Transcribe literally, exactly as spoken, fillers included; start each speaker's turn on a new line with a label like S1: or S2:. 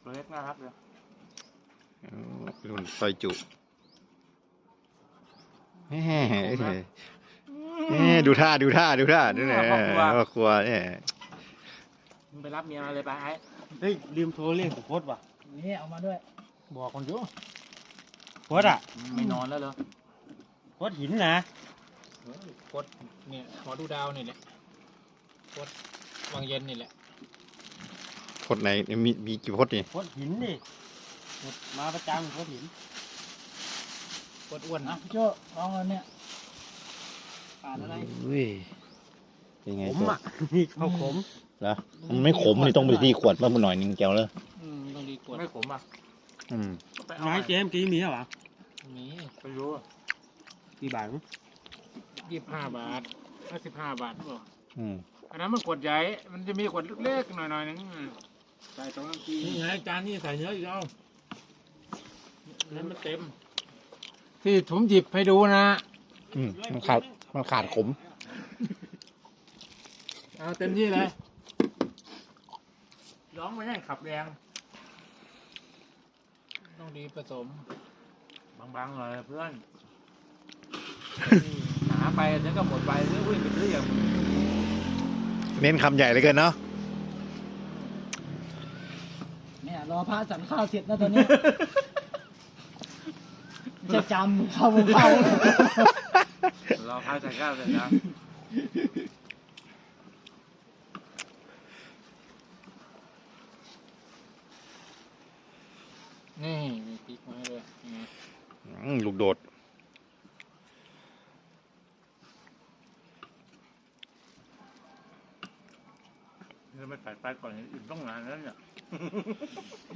S1: ตัวเล็กน่ารักเลย
S2: รุ่นซอยจุแหมดูท่าดูท่าดูท่าดูเนี่ยพ่อครัวเนี่ย
S1: มึงไปรับเมียมาเลยไปไอ้
S3: เฮ้ยลืมโทรเรียกสุพจน์ว่ะ
S4: นี่เอามาด้วย
S3: บอกคนอยู่โคตรอ่ะ
S1: ไม่นอนแล้วเหรอ
S3: โคตรหินนะ
S4: โคตรเนี่ยหมอดูดาวนี่แหละโคตรวังเย็นนี่แหละ
S2: โคตรไหนมีมีกี่โคตรนี่
S3: โคตรหินดิมาประจำโคตรหิน
S4: โคตรอ้วนนะพี่โจ้ลองเลยเนี่ยผ่านอะไร
S2: อุ้ยเป็นไง
S3: ขมอ่ะนี่ข้าวขม
S2: เหรอมันไม่ขมนี่ต้องไปที่ขวดมาหน่อยนึงแก้วเลย
S4: อืมต้องดีขวด
S1: ไม่ขมอ่ะ
S2: อืม
S3: นายเจมกี้มีเหรอ
S4: มี
S1: ไม่รู้
S3: กี่บาท
S4: ยี่สิบห้าบาทห้าสิบห้าบาทหรอ
S2: อืม
S4: อันนั้นมันขวดใหญ่มันจะมีขวดเล็กๆหน่อยๆนึงใส่ตรงน้ำจี
S1: นี่ไงจานนี่ใส่เนื้ออีกแล้ว
S4: นั้นมันเต็มที่ผมหยิบให้ดูนะ
S2: อืมมันขาดมันขาดขม
S4: เอาเต็มที่เลยร้องไม่ให้ขับแรงต้องดีผสม
S1: บางๆเลยเพื่อนหาไปแล้วก็หมดไปเรื่องวิ่งไปเรื่อย
S2: เน้นคำใหญ่เลยเกินเนาะ
S4: เนี่ยรอพระฉันข้าวเสร็จนะตอนนี้จะจำเข้ามุมเข้าร
S1: อพระฉันข้าวเสร็จนะ
S4: นี่มีพริกมาเลย
S2: ลูกโดด
S1: จะไม่ใส่ไปก่อนอื่นต้องนานแล้วเนี่ย